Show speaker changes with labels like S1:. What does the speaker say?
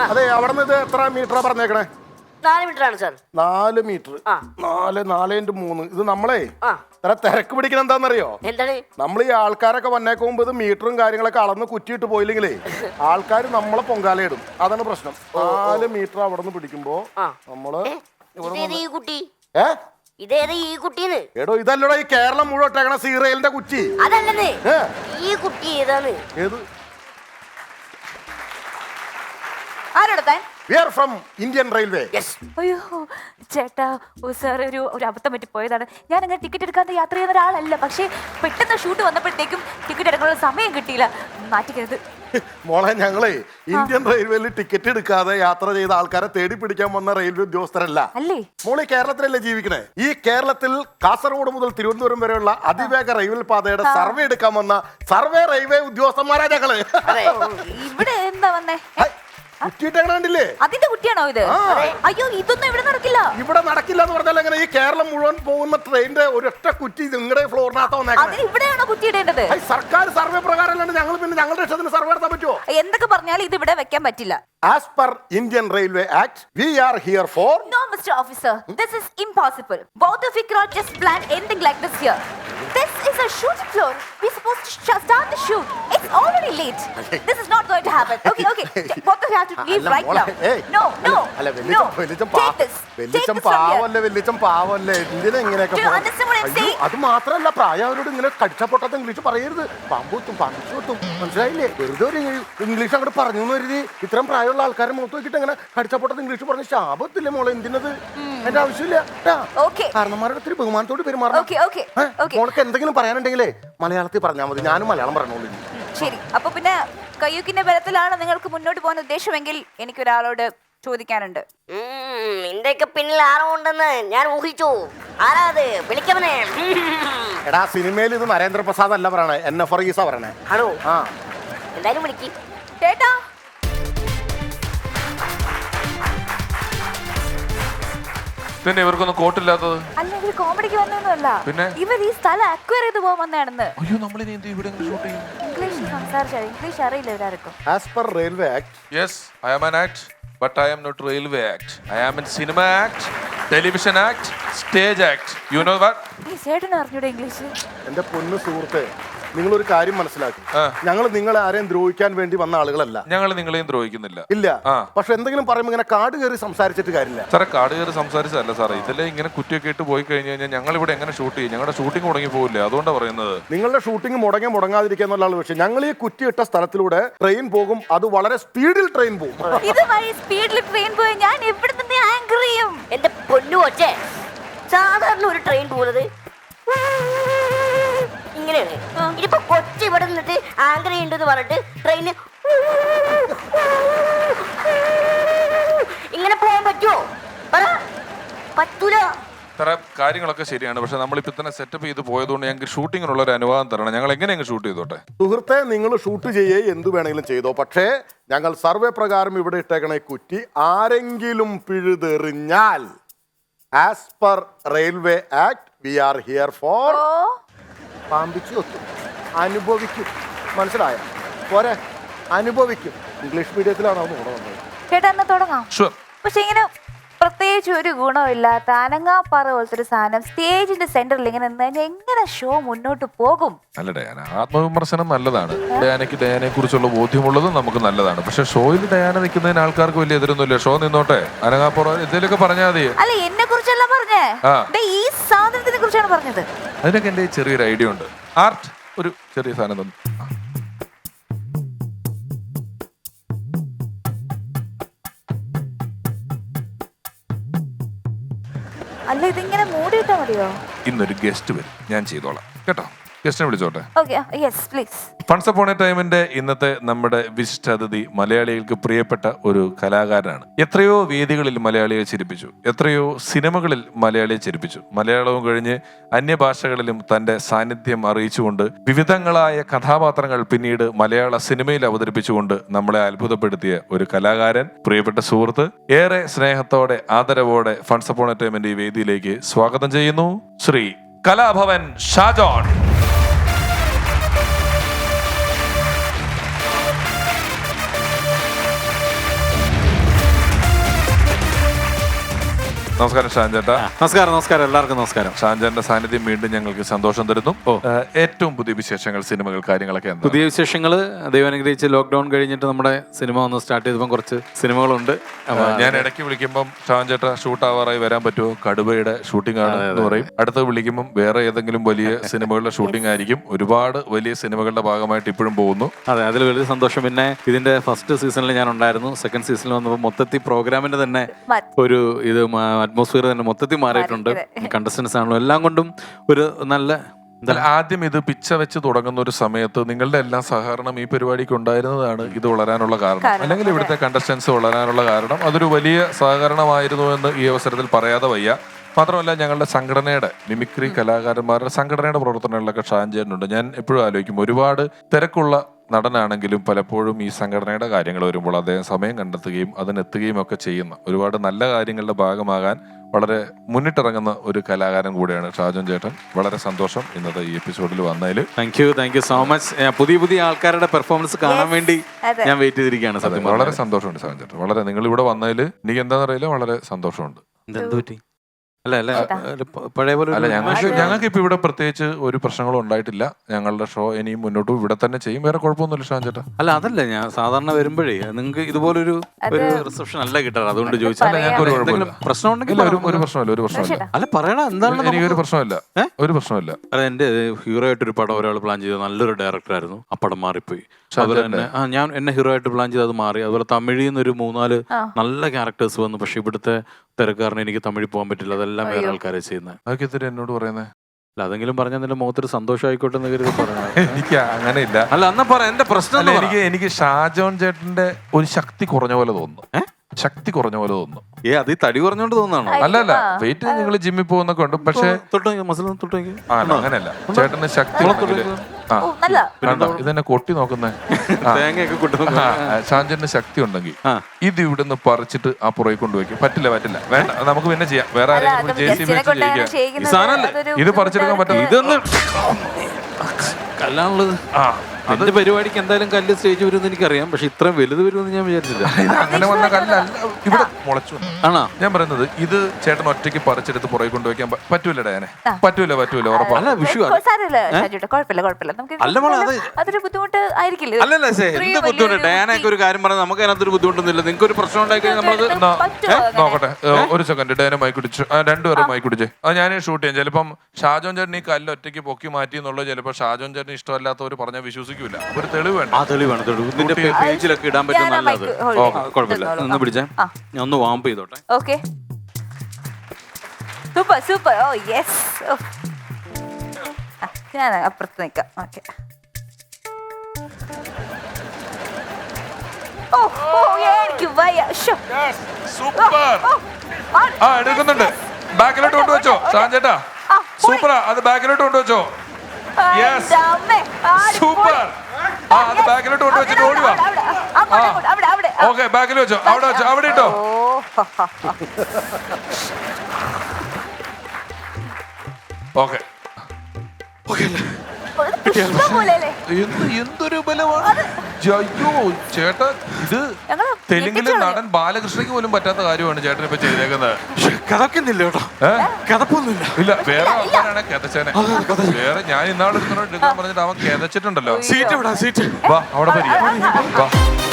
S1: അതെ, അവിടെ നിന്ന് ഇത് എത്ര മീറ്ററാ പറഞ്ഞേക്കണേ?
S2: 4 മീറ്റർ ആണ് സാർ.
S1: 4 മീറ്റർ. 4×3. ഇത് നമ്മളെ ഇത്ര തിരക്ക് പിടിക്കണം എന്താണെന്നറിയോ?
S2: എന്താണ്?
S1: നമ്മൾ ഈ ആൾക്കാരൊക്കെ വന്നേക്ക് മുമ്പ് ഇത് മീറ്ററും കാര്യങ്ങളൊക്കെ അളന്ന് കുറ്റിയിട്ട് പോയില്ലെങ്കിലേ ആൾക്കാർ നമ്മളെ പൊങ്കാലയിടും. അതാണ് പ്രശ്നം. 4 മീറ്റർ അവിടെ നിന്ന് പിടിക്കുമ്പോ നമ്മള്
S2: ഈ കുട്ടി
S1: ഏ
S2: ഇതേത് ഈ കുട്ടീന്ന്?
S1: എടോ ഇതല്ലടോ ഈ കേരളം മുഴുവൻ ഇട്ടേക്കണ സീറയിലിന്റെ കുറ്റി.
S2: അതല്ലേ ഈ കുട്ടി ഏതാണ്?
S1: ഏത്?
S3: ആരോടത്താൻ?
S1: We are from Indian Railway.
S2: Yes.
S3: അയ്യോ ചേട്ടാ, സാർ ഒരു അബദ്ധം പറ്റി പോയതാണ്. ഞാൻ അങ്ങനെ ടിക്കറ്റ് എടുക്കാതെ യാത്ര ചെയ്യുന്ന ഒരാളല്ല. പക്ഷേ പെട്ടെന്ന് ഷൂട്ട് വന്നപ്പോഴത്തേക്കും ടിക്കറ്റ് എടുക്കാനുള്ള സമയം കിട്ടിയില്ല. മാറ്റിക്കരുത്
S1: മോളെ. ഞങ്ങളെ ഇന്ത്യൻ റെയിൽവേയിൽ ടിക്കറ്റ് എടുക്കാതെ യാത്ര ചെയ്ത ആൾക്കാരെ തേടി പിടിക്കാൻ വന്ന റെയിൽവേ ഉദ്യോഗസ്ഥരല്ല.
S3: അല്ലേ?
S1: മോളെ കേരളത്തിലല്ലേ ജീവിക്കണേ? ഈ കേരളത്തിൽ കാസർഗോഡ് മുതൽ തിരുവനന്തപുരം വരെയുള്ള അതിവേഗ റെയിൽവേ പാതയുടെ സർവേ എടുക്കാൻ വന്ന സർവേ റെയിൽവേ ഉദ്യോഗസ്ഥന്മാരാ ഞങ്ങള്.
S3: ഇവിടെ എന്താ വന്നേ?
S1: കുറ്റിയിട്ടേ
S3: അതിന്റെ കുറ്റിയാണോ ഇത്? അയ്യോ, ഇതൊന്നും ഇവിടെ നടക്കില്ല.
S1: ഇവിടെ നടക്കില്ല എന്ന് പറഞ്ഞാൽ എങ്ങനെ? ഈ കേരളം മുഴുവൻ പോകുന്ന ട്രെയിനിന്റെ ഒരൊറ്റ കുറ്റി നിങ്ങളുടെ ഫ്ലോറിനകത്ത് വന്നേക്കുന്നത്.
S3: ഇവിടെയാണോ കുറ്റി ഇടേണ്ടത്?
S1: സർക്കാർ സർവേ പ്രകാരം ഞങ്ങൾ പിന്നെ ഞങ്ങളുടെ ഇഷ്ടത്തിന് സർവേ നടത്താൻ പറ്റുമോ?
S3: എന്തൊക്കെ പറഞ്ഞാലും ഇത് ഇവിടെ വെക്കാൻ പറ്റില്ല.
S1: As per Indian Railway Act, we are here for...
S3: No, Mr. Officer. This is impossible. Both of you cannot just plan anything like this here. This is a shooting floor. We're supposed to start the shoot. It's already late. This is not going to happen. Okay. Both of you have to leave right now. No. Take this.
S1: വെല്ലിച്ചം പാവല്ലേ. എന്തിനാ ഇങ്ങനെയൊക്കെ?
S3: Do you understand what I'm saying?
S1: അത് മാത്രമല്ല, പ്രായവരോട് ഇങ്ങനെ കടിച്ചപ്പൊട്ടാത്ത English പറയരുത്. പാമ്പൂത്തും മനസ്സിലായില്ലേ? വെറുതെ ഒരു ഇംഗ്ലീഷ് അങ്ങോട്ട് പറഞ്ഞു എന്ന് കരുതി ഇത്രയും പ്രായമുള്ള ആൾക്കാരെ മുഖത്ത് നോക്കിയിട്ട് അങ്ങനെ കടിച്ചപ്പൊട്ടത്ത് ഇംഗ്ലീഷ് പറഞ്ഞ് ശാപത്തില്ലേ മോളെ? എന്തിനത്? എന്റെ ആവശ്യമില്ല. കാരണന്മാരുടെ ഒത്തിരി ബഹുമാനത്തോട് പെരുമാറണം. മോൾക്ക് എന്തെങ്കിലും പറയാനുണ്ടെങ്കിലേ മലയാളത്തിൽ പറഞ്ഞാൽ മതി. ഞാനും മലയാളം പറഞ്ഞോളൂ.
S3: ശരി. അപ്പൊ പിന്നെ കയ്യൂക്കിന്റെ ബലത്തിലാണ് നിങ്ങൾക്ക് മുന്നോട്ട് പോകാൻ ഉദ്ദേശമെങ്കിൽ എനിക്കൊരാളോട് ചോദിക്കാനുണ്ട്.
S2: നിന്റെയൊക്കെ പിന്നിൽ ആരോ ഉണ്ടെന്ന് ഞാൻ ഊഹിച്ചു. ആരാ അത്? വിളിക്കവനെ.
S1: എടാ, സിനിമയിൽ ഇത് നരേന്ദ്രപ്രസാദ് അല്ല പറയണേ, എന്നെ ഫറീസാ പറയണേ.
S2: ആണോ? എന്തായാലും വിളിക്ക്.
S3: ചേട്ടാ,
S4: പിന്നെ ഇവർക്കൊന്നും കോട്ടില്ലാത്തത്?
S3: അല്ല, ഇവർ കോമഡിക്ക് വന്നൊന്നുമല്ല.
S4: പിന്നെ
S3: ഇവർ ഈ സ്ഥലം അക്വയർ ചെയ്ത് പോകാൻ വന്നതാണെന്ന്.
S4: അയ്യോ, നമ്മളിനി എന്ത് ഇവിടെ ഷൂട്ട് ചെയ്യും?
S3: ഇംഗ്ലീഷ് സംസാരിച്ചാൽ ഇംഗ്ലീഷ് അറിയില്ല ഇവരാർക്കും.
S1: As per Railway Act.
S4: Yes, I am an act, but I am not Railway Act. I am in Cinema Act, Television Act, Stage Act. You know what?
S3: ഈ ചേട്ടന് അറിഞ്ഞൂടെ ഇംഗ്ലീഷ്?
S1: എന്റെ പൊന്നു സുഹൃത്തെ, നിങ്ങളൊരു കാര്യം മനസ്സിലാക്കി. ഞങ്ങൾ നിങ്ങളെ ആരെയും ദ്രോഹിക്കാൻ വേണ്ടി വന്ന ആളുകളല്ല.
S4: ഞങ്ങൾ നിങ്ങളെയും ദ്രോഹിക്കുന്നില്ല.
S1: ഇല്ല. പക്ഷെ എന്തെങ്കിലും പറയുമ്പോൾ ഇങ്ങനെ കാട് കയറി സംസാരിച്ചിട്ട് കാര്യമില്ല
S4: സാറേ. കാട് കയറി സംസാരിച്ചതല്ല സാറേ. ഇതിലെ ഇങ്ങനെ കുറ്റിയൊക്കെ ഇട്ട് പോയി കഴിഞ്ഞു കഴിഞ്ഞാൽ ഞങ്ങൾ ഇവിടെ എങ്ങനെ ഷൂട്ട് ചെയ്യും? ഞങ്ങളുടെ ഷൂട്ടിംഗ് മുടങ്ങി പോകില്ലേ? അതുകൊണ്ടാണ് പറയുന്നത്.
S1: നിങ്ങളുടെ ഷൂട്ടിംഗ് മുടങ്ങാതിരിക്കുക എന്നുള്ള വിഷയം. ഞങ്ങൾ ഈ കുറ്റിയിട്ട സ്ഥലത്തിലൂടെ ട്രെയിൻ പോകും. അത് വളരെ സ്പീഡിൽ ട്രെയിൻ പോകും.
S3: ഇതുവഴി സ്പീഡിൽ ട്രെയിൻ പോയി ഞാൻ എവിടെ നിന്ന് ആങ്കർ ചെയ്യും?
S2: എന്റെ പൊന്നു ഒച്ചേ, സാധാരണ ഒരു ട്രെയിൻ പോകുന്നത് ഇങ്ങനെയാണ്. ഇതിപ്പോ കൊച്ചി ഇവിടെ നിന്നിട്ട് ആങ്കർ ചെയ്യണ്ടെന്ന് പറഞ്ഞിട്ട് ട്രെയിന് ഇങ്ങനെ പോകാൻ പറ്റുമോ? പറ്റൂല.
S4: സാറേ, കാര്യങ്ങളൊക്കെ ശരിയാണ്. പക്ഷെ നമ്മളിപ്പോ തന്നെ സെറ്റപ്പ് ചെയ്ത് പോയതുകൊണ്ട് ഞങ്ങൾക്ക് ഷൂട്ടിങ്ങിനുള്ള ഒരു അനുവാദം തരണം. ഞങ്ങൾ എങ്ങനെ ഷൂട്ട് ചെയ്തോട്ടെ?
S1: സുഹൃത്തെ, നിങ്ങൾ ഷൂട്ട് ചെയ്യേ എന്ത് വേണമെങ്കിലും ചെയ്തോ. പക്ഷേ ഞങ്ങൾ സർവേ പ്രകാരം ഇവിടെ ഇട്ടേക്കണ കുറ്റി ആരെങ്കിലും പിഴുതെറിഞ്ഞാൽ as per railway act we are here for പാമ്പിച്ചു ഒത്തും അനുഭവിക്കും. മനസ്സിലായ പോരെ? അനുഭവിക്കും. ഇംഗ്ലീഷ് മീഡിയത്തിലാണ് അത് വന്നത്.
S3: ചേട്ടാ, എന്നാ തുടങ്ങാം. പക്ഷെ ഇങ്ങനെ പ്രത്യേകിച്ച് ഒരു ഗുണമില്ലാത്ത അനങ്ങാപ്പാറ പോലത്തെ ഒരു സാധനം സ്റ്റേജിന്റെ സെന്ററിൽ ഇങ്ങനെ എങ്ങനെ ഷോ മുന്നോട്ട് പോകും?
S4: അല്ല ഡയാന, ആത്മവിമർശനം നല്ലതാണ്. ഡയാനയ്ക്ക് ഡയാനയെ കുറിച്ചുള്ള ബോധ്യമുള്ളതും നമുക്ക് നല്ലതാണ്. പക്ഷെ ഷോയിൽ ഡയാന നിൽക്കുന്നതിന് ആൾക്കാർക്ക് വലിയ എതിരൊന്നുമില്ല. ഷോ നിന്നോട്ടെ. അനങ്ങാപ്പുറ എന്തെങ്കിലുമൊക്കെ പറഞ്ഞാൽ മതി.
S3: അല്ല, എന്നെ കുറിച്ചല്ല പറഞ്ഞേ, ഈ സാധനത്തിനെ കുറിച്ചാണ് പറഞ്ഞത്.
S4: അതിനൊക്കെ എന്റെ ചെറിയൊരു ഐഡിയ ഉണ്ട്. ആർട്ട് ഒരു ചെറിയ സാധനം തന്നു.
S3: അല്ല, ഇതിങ്ങനെ മൂടിയിട്ടാ മതിയോ?
S4: ഇന്നൊരു ഗസ്റ്റ് വരും, ഞാൻ ചെയ്തോളാം കേട്ടോ. ഗസ്റ്റിനെ വിളിച്ചോട്ടെ?
S3: Yes please.
S4: Once upon a ടൈമിന്റെ ഇന്നത്തെ നമ്മുടെ വിശിഷ്ട അതിഥി മലയാളികൾക്ക് പ്രിയപ്പെട്ട ഒരു കലാകാരനാണ്. എത്രയോ വേദികളിൽ മലയാളിയെ ചിരിപ്പിച്ചു, എത്രയോ സിനിമകളിൽ മലയാളിയെ ചിരിപ്പിച്ചു. മലയാളവും കഴിഞ്ഞ് അന്യഭാഷകളിലും തന്റെ സാന്നിധ്യം അറിയിച്ചുകൊണ്ട് വിവിധങ്ങളായ കഥാപാത്രങ്ങൾ പിന്നീട് മലയാള സിനിമയിൽ അവതരിപ്പിച്ചുകൊണ്ട് നമ്മളെ അത്ഭുതപ്പെടുത്തിയ ഒരു കലാകാരൻ, പ്രിയപ്പെട്ട സുഹൃത്ത്, ഏറെ സ്നേഹത്തോടെ ആദരവോടെ ഫൺസ് അപ്പോൺ എ ടൈമിന്റെ ഈ വേദിയിലേക്ക് സ്വാഗതം ചെയ്യുന്നു ശ്രീ കലാഭവൻ ഷാജോൺ. നമസ്കാരം ഷാൻ ചേട്ടാ.
S5: നമസ്കാരം എല്ലാവർക്കും നമസ്കാരം.
S4: ഷാൻചാന്റെ സാന്നിധ്യം വീണ്ടും ഞങ്ങൾക്ക് സന്തോഷം തരുന്നു. ഏറ്റവും പുതിയ വിശേഷങ്ങൾ, സിനിമകൾ, കാര്യങ്ങളൊക്കെ എന്താ?
S5: പുതിയ വിശേഷങ്ങൾ ദൈവം അനുഗ്രഹിച്ച് ലോക്ക്ഡൌൺ കഴിഞ്ഞിട്ട് നമ്മുടെ സിനിമ ഒന്ന് സ്റ്റാർട്ട് ചെയ്തപ്പോൾ കുറച്ച് സിനിമകളുണ്ട്.
S4: ഞാൻ ഇടയ്ക്ക് വിളിക്കുമ്പോൾ ഷാൻ ചേട്ടാ ഷൂട്ട് ആവാറായി വരാൻ പറ്റുമോ, കടുവയുടെ ഷൂട്ടിംഗ് ആണ് എന്ന് പറയും. അടുത്ത് വിളിക്കുമ്പോൾ വേറെ ഏതെങ്കിലും വലിയ സിനിമകളുടെ ഷൂട്ടിംഗ് ആയിരിക്കും. ഒരുപാട് വലിയ സിനിമകളുടെ ഭാഗമായിട്ട് ഇപ്പോഴും പോകുന്നു.
S5: അതെ, അതിൽ വലിയ സന്തോഷം. പിന്നെ ഇതിന്റെ ഫസ്റ്റ് സീസണിൽ ഞാൻ ഉണ്ടായിരുന്നു. സെക്കൻഡ് സീസണിൽ വന്നപ്പോൾ മൊത്തത്തിൽ പ്രോഗ്രാമിന്റെ തന്നെ ഒരു ഇത് അറ്റ്മോസ്ഫിയർ തന്നെ മൊത്തത്തിൽ മാറിയിട്ടുണ്ട്. കണ്ടസ്റ്റൻസ് ആണല്ലോ, എല്ലാം കൊണ്ടും ഒരു നല്ല.
S4: ആദ്യം ഇത് പിച്ച വെച്ച് തുടങ്ങുന്ന ഒരു സമയത്ത് നിങ്ങളുടെ എല്ലാം സഹകരണം ഈ പരിപാടിക്ക് ഉണ്ടായിരുന്നതാണ് ഇത് വളരാനുള്ള കാരണം, അല്ലെങ്കിൽ ഇവിടുത്തെ കണ്ടസ്റ്റൻസ് വളരാനുള്ള കാരണം. അതൊരു വലിയ സഹകരണമായിരുന്നു എന്ന് ഈ അവസരത്തിൽ പറയാതെ വയ്യ. മാത്രമല്ല ഞങ്ങളുടെ സംഘടനയുടെ മിമിക്രി കലാകാരന്മാരുടെ സംഘടനയുടെ പ്രവർത്തനങ്ങളിലൊക്കെ ഷാൻചേട്ടനുണ്ട്. ഞാൻ എപ്പോഴും ആലോചിക്കും, ഒരുപാട് തിരക്കുള്ള നടനാണെങ്കിലും പലപ്പോഴും ഈ സംഘടനയുടെ കാര്യങ്ങൾ വരുമ്പോൾ അദ്ദേഹം സമയം കണ്ടെത്തുകയും അതിനെത്തുകയും ഒക്കെ ചെയ്യുന്ന ഒരുപാട് നല്ല കാര്യങ്ങളുടെ ഭാഗമാകാൻ വളരെ മുന്നിട്ടിറങ്ങുന്ന ഒരു കലാകാരൻ കൂടെയാണ് ഷാജോൻ ചേട്ടൻ. വളരെ സന്തോഷം ഇന്നത്തെ ഈ എപ്പിസോഡിൽ വന്നതിൽ.
S5: Thank you so much. പുതിയ ആൾക്കാരുടെ പെർഫോമൻസ് കാണാൻ വേണ്ടി ഞാൻ വെയിറ്റ് ചെയ്തിരിക്കുകയാണ്. സത്യം
S4: വളരെ സന്തോഷമുണ്ട് ഷാജോൻ ചേട്ടൻ. വളരെ നിങ്ങൾ ഇവിടെ വന്നതിൽ എനിക്ക് എന്താണെന്ന് അറിയില്ല, വളരെ സന്തോഷമുണ്ട്.
S5: എന്ത് പറ്റി? അല്ല പഴയ പോലെ
S4: അല്ല, ഞങ്ങൾക്ക് ഇപ്പൊ ഇവിടെ പ്രത്യേകിച്ച് ഒരു പ്രശ്നങ്ങളും ഉണ്ടായിട്ടില്ല. ഞങ്ങളുടെ ഷോ ഇനിയും മുന്നോട്ട് ഇവിടെ തന്നെ ചെയ്യും. വേറെ കുഴപ്പമൊന്നുമില്ല ഷാൻ ചേട്ടാ.
S5: അല്ല, അതല്ല ഞാൻ സാധാരണ വരുമ്പോഴേ നിങ്ങൾക്ക് ഇതുപോലൊരു റിസപ്ഷൻ അല്ല കിട്ടാറ്, അതുകൊണ്ട് ചോദിച്ചാൽ. പ്രശ്നം ഉണ്ടെങ്കിൽ
S4: ഒരു പ്രശ്നമില്ല.
S5: അല്ല പറയണ എന്താണ്?
S4: എനിക്കൊരു പ്രശ്നമില്ല, ഒരു പ്രശ്നമില്ല.
S5: അല്ല, എന്റെ ഹീറോ ആയിട്ടൊരു പടം ഒരാൾ പ്ലാൻ ചെയ്ത നല്ലൊരു ഡയറക്ടറായിരുന്നു. ആ പടം മാറിപ്പോയി. അതുപോലെ തന്നെ ഞാൻ എന്നെ ഹീറോ ആയിട്ട് പ്ലാൻ ചെയ്ത് അത് മാറി. അതുപോലെ തമിഴിൽ നിന്നൊരു 3-4 നല്ല ക്യാരക്ടേഴ്സ് വന്നു. പക്ഷെ ഇവിടുത്തെ തിരക്കാരന് എനിക്ക് തമിഴിൽ പോകാൻ പറ്റില്ല. അതെല്ലാം വേറെ ആൾക്കാരെ ചെയ്യുന്നത്.
S4: അതൊക്കെ എത്തിരി എന്നോട് പറയുന്നത്.
S5: അല്ല, അതെങ്കിലും പറഞ്ഞാൽ നിന്റെ മുഖത്തൊരു സന്തോഷമായിക്കോട്ടെ എന്ന് കരുതി പറഞ്ഞത്.
S4: എനിക്ക് അങ്ങനെ ഇല്ല.
S5: അല്ല, എന്നാ പറ എന്റെ പ്രശ്നം.
S4: എനിക്ക് ഷാജോൻ ചേട്ടന്റെ ഒരു ശക്തി കുറഞ്ഞ പോലെ തോന്നുന്നു. ശക്തി കുറഞ്ഞ പോലെ തോന്നുന്നു.
S5: അത് ഈ തടി കുറഞ്ഞോണ്ട് തോന്നാണോ?
S4: അല്ല, വെയിറ്റ് നിങ്ങൾ ജിമ്മിൽ പോകുന്നൊക്കെ ഉണ്ട്. പക്ഷെ അങ്ങനെയല്ല, ചേട്ടന് ശക്തി ഇതെന്നെ കൊട്ടി നോക്കുന്നേ. ഷാൻചേട്ടന് ശക്തി ഉണ്ടെങ്കിൽ ഇത് ഇവിടുന്ന് പറിച്ചിട്ട് ആ പുറകെ കൊണ്ടുവയ്ക്കും. പറ്റില്ല വേണ്ട, നമുക്ക് പിന്നെ ചെയ്യാം. വേറെ ആരെങ്കിലും ഇത് പറിച്ചെടുക്കാൻ പറ്റില്ല.
S5: ഇതൊന്ന് കല്ലാണുള്ളത്. അതിന്റെ പരിപാടിക്ക് എന്തായാലും കല്ല് സ്റ്റേജ് വരുമെന്ന് എനിക്കറിയാം. പക്ഷെ ഇത്രയും വലുത് വരുമെന്ന് ഞാൻ വിചാരിച്ചില്ല.
S4: അങ്ങനെ വന്ന കല്ലല്ല, ഇവിടെ മുളച്ചു.
S5: ആണോ?
S4: ഞാൻ പറയുന്നത് ഇത് ചേട്ടൻ ഒറ്റയ്ക്ക് പറിച്ചെടുത്ത് പുറകെ കൊണ്ടുവയ്ക്കാൻ പറ്റൂല ഡയാനെ. പറ്റൂല ഉറപ്പാണ്.
S5: അല്ല, വിഷു അല്ല മോളെ,
S3: അതൊരു ബുദ്ധിമുട്ട് ആയിരിക്കില്ല.
S5: അല്ലല്ല, എന്ത് ബുദ്ധിമുട്ട്? ഡയാനൊക്കെ ഒരു കാര്യം പറഞ്ഞാൽ നമുക്ക് അതിനകത്തൊരു ബുദ്ധിമുട്ടൊന്നുമില്ല. നിങ്ങൾക്ക് ഒരു പ്രശ്നം ഉണ്ടായി കഴിഞ്ഞാൽ നമ്മളത്
S4: നോക്കട്ടെ. ഒരു സെക്കൻഡ്, ഡയാനെ മൈക്ക് കുടിച്ചു. രണ്ടുപേരും മൈക്ക് കുടിച്ചേ. അത് ഞാൻ ഷൂട്ട് ചെയ്യാം. ചിലപ്പം ഷാജോൻ ചേട്ടൻ ഈ കല്ല് ഒറ്റയ്ക്ക് പൊക്കി മാറ്റി എന്നുള്ളത് ചിലപ്പോൾ ഷാജോൻ ചേട്ടൻ ഇഷ്ടമല്ലാത്തവർ പറഞ്ഞാൽ വിശ്വസിക്കൂല. ഒരു തെളിവ് വേണ്ട.
S5: ആ തെളിവാണ്. ഇതിന്റെ പേജിലൊക്കെ ഇടാൻ പറ്റും. നല്ലത്. കുഴപ്പമില്ല. ഒന്ന് പിടിച്ചേ, ഞാൻ ഒന്ന് വാമ്പ് ചെയ്തോട്ടെ.
S3: Okay, super. ഓ യെസ്, ഞാൻ അപ്പുറത്ത് നിൽക്കാം. ഓക്കെ.
S4: എടുക്കുന്നുണ്ട്. ബാക്കിലോട്ട് കൊണ്ടുവച്ചോ ഷാൻ ചേട്ടാ. സൂപ്പറാ, അത് ബാക്കിലോട്ട് കൊണ്ടുവച്ചോ. സൂപ്പർ. അത് ബാക്കിലോട്ട് കൊണ്ടുവച്ചിട്ട് ഓടിവാ. ഓക്കെ, ബാക്കിൽ വെച്ചോ. അവിടെ ഇട്ടോ. ഓക്കെ, എന്തൊരു ബലമാണ്. അയ്യോ ചേട്ടാ, ഇത് തെലുങ്കിലെ നടൻ ബാലകൃഷ്ണയ്ക്ക് പോലും പറ്റാത്ത കാര്യമാണ് ചേട്ടൻ ഇപ്പൊ ചെയ്തേക്കുന്നത്.
S5: കഥക്കുന്നില്ല കേട്ടോ, കഥപ്പൊന്നുമില്ല.
S4: ഇല്ല, വേറെ ആൾക്കാരാണ് കഥച്ചേനെ. വേറെ ഞാൻ ഇന്നാളെ എടുക്കാൻ പറഞ്ഞിട്ട് അവൻ കഥച്ചിട്ടുണ്ടല്ലോ.
S5: സീറ്റ്
S4: വാ, അവിടെ പരിചയം. വാ.